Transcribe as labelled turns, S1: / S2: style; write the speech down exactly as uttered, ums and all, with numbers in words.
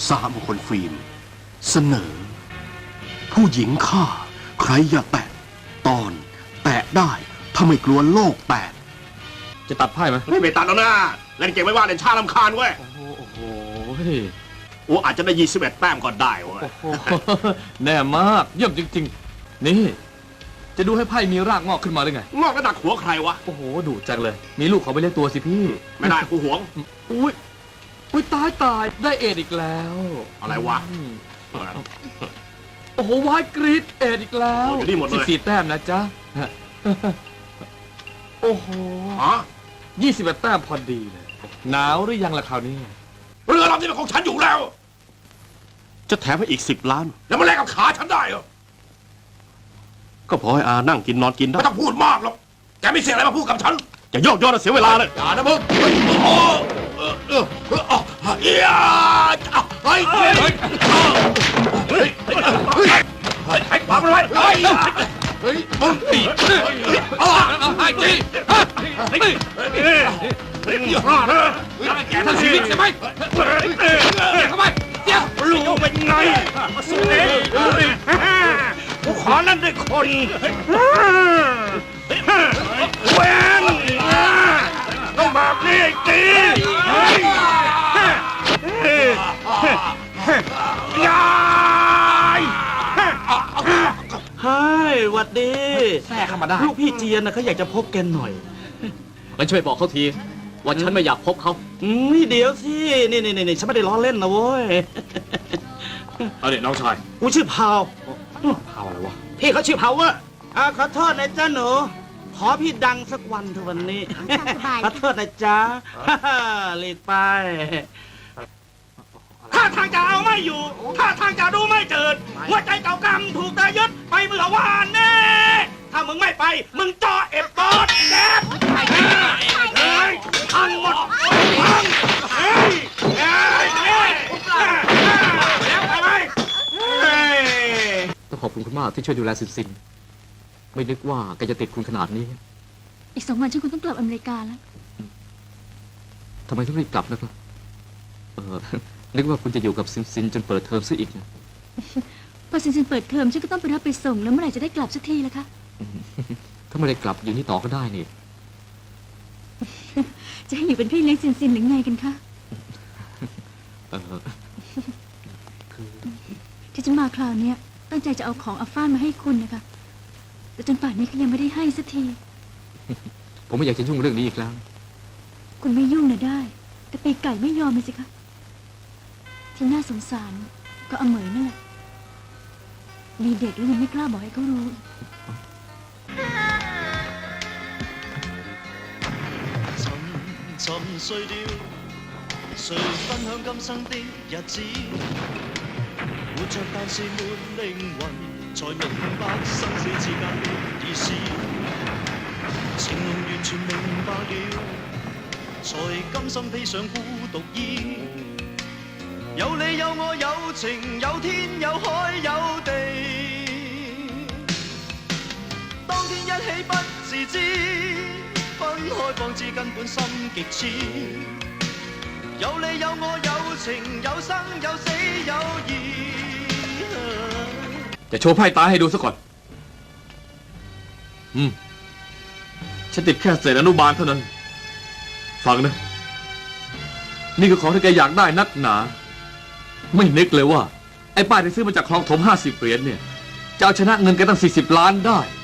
S1: สหมงคลฟิล์มเสนอ ผู้หญิงฆ่าใครอย่าแตะตอนแตะได้ถ้าไม่กลัวโลกแตก
S2: จะตัดไพ่ไหม
S1: ไม่ไปตัดแล้วนะเล่นเก่งไม่ว่าเล่นชาลำคาญเว้ย
S2: โอ้โหโอ้โห
S1: โอ้อาจจะได้ยี่สิบเอ็ดแต้มก็ได้เว้ย
S2: โอ้โหแน่มากเยี่ยมจริงๆนี่จะดูให้ไพ่มีรากงอกขึ้นมาได้ไง
S1: งอกกระดักหัวใครวะ
S2: โอ้โหดุจังเลย มีลูกเขาไปเลี้ยงตัวสิพี่
S1: ไม่ได้กูหวง
S2: อุ้ยอุ้ยตายตายได้เอ็ดอีกแล้ว
S1: อะไรวะ
S2: อืมโอ้โหวายกรีดเอ็ดอีกแล้ว
S1: โอ้อยู่นี่หมดเลย
S2: สิบสี่แต้มนะจ๊ะโอ้โห
S1: ฮะ
S2: ยี่สิบเอ็ดแต้มพอดีเลยหนาวหรือยังล่ะคราวนี้
S1: เรือลำนี้เป็นของฉันอยู่แล้ว จะแถมให้อีกสิบล้าน แล้วมาแลกกับขาฉันได้เหรอก็พอให้อานั่งกินนอนกินได้ไม่ต้องพูดมากหรอกแกไม่เสียอะไรมาพูดกับฉันอย่าโยกโยนเสียเวลาเลยอย่านะมึงโอ้เออเออเออเอี๊ยเฮ้ยเฮ้ยเฮ้ยเฮ้ยเฮ้ยเฮ้ยมาเลยเฮ้ยเฮ้ยมึงตีอ๋อไอ้ตีเฮ้ยเฮ้ยอย่าพลาดนะแกทั้งชีวิตใช่ไหมเข้าไปเดี๋ยวรู้เป็นไงมาสู้เองกูขอเล่นด้วยคนเว้นต้องแบบนี้ตียาย
S3: เฮ้ยหวัดดี
S2: แทรกเข้ามาได้
S3: ลูกพี่เจียนนะเขาอยากจะพบแกหน่อย
S2: งั้นช่วยบอกเขาทีว่าฉันไม่อยากพบเขา
S3: อืมนี่เดี๋ยวสิ นี่นี่นี่ฉันไม่ได้ล้อเล่นนะเว้ย
S2: เอาเด็กน้องชาย
S3: กูชื่อพาว
S2: พาวอะไรวะ
S3: พี่เขาชื่อพาวเวอร์อ่าขอโทษนะจ๊ะหนู ขอพี่ดังสักวันเถอะวันนี้ ขอโทษนะจ๊ะหลีกไป ถ้าทางจะเอาไม่อยู่ ถ้าทางจะดูไม่เจิด หัวใจเก่ากำถูกตายึดไปเมื่อวานแน่ ถ้ามึงไม่ไป มึงจ่อเอฟบอสแกบเฮ้ยพังหมดพังเฮ้ยเฮ้ยเฮ้ยแล้วไปไหมเฮ้ย
S2: ต้องขอบคุณคุณมากที่ช่วยดูแลซินซิน ไม่นึกว่าแกจะติดคุณขนาดนี้
S4: อีกสองวันฉันคงต้องกลับอเมริกาแล้ว
S2: ทำไมถึงรีบกลับนะครับ เออ นึกว่าคุณจะอยู่กับซินซินจนเปิดเทอมซะอีกนะ
S4: พอซินซินเปิดเทอมฉันก็ต้องไปรับไปส่งแล้วเมื่อไหร่จะได้กลับสักทีล่ะคะ
S2: ถ้าไม่ได้กลับอยู่นี่ต่อก็ได้นี่
S4: จะให้อยู่เป็นพี่เลี้ยงซินซินหรือไงกันคะ
S2: เออ
S4: ที่ฉันมาคราวเนี้ยตั้งใจจะเอาของอัฟฟานมาให้คุณนะคะแต่จนป่านนี้เขายังไม่ได้ให้สักที
S2: ผมไม่อยากจะยุ่งเรื่องนี้อีกแล้ว
S4: คุณไม่ยุ่งนะได้ แต่ปีไก่ไม่ยอมเลยสิคะที่น่าสงสารก็อเหมยนั่นแหละมีเด็กแล้วยังไม่กล้าบอกให้เขารู้
S5: 沉沉睡了，誰分享今生的日子？活着但是沒靈魂，才明白生死之間的意思。情濃完全明白了，才甘心披上孤獨衣。有你有我有情有天有海有地，當天一起不自知。分開方知根本心極痴，有你有我有情有生有死有義。
S2: จะโชว์ไพ่ตาให้ดูซะก่อน อืม ฉันติดแค่เศษอนุบาลเท่านั้น ฟังนะ นี่คือของที่แกอยากได้นักหนา ไม่นึกเลยว่า ไอ้ป้ายที่ซื้อมาจากคลองถมห้าสิบเหรียญเนี่ย จะเอาชนะเงินแกตั้งสี่สิบล้านได้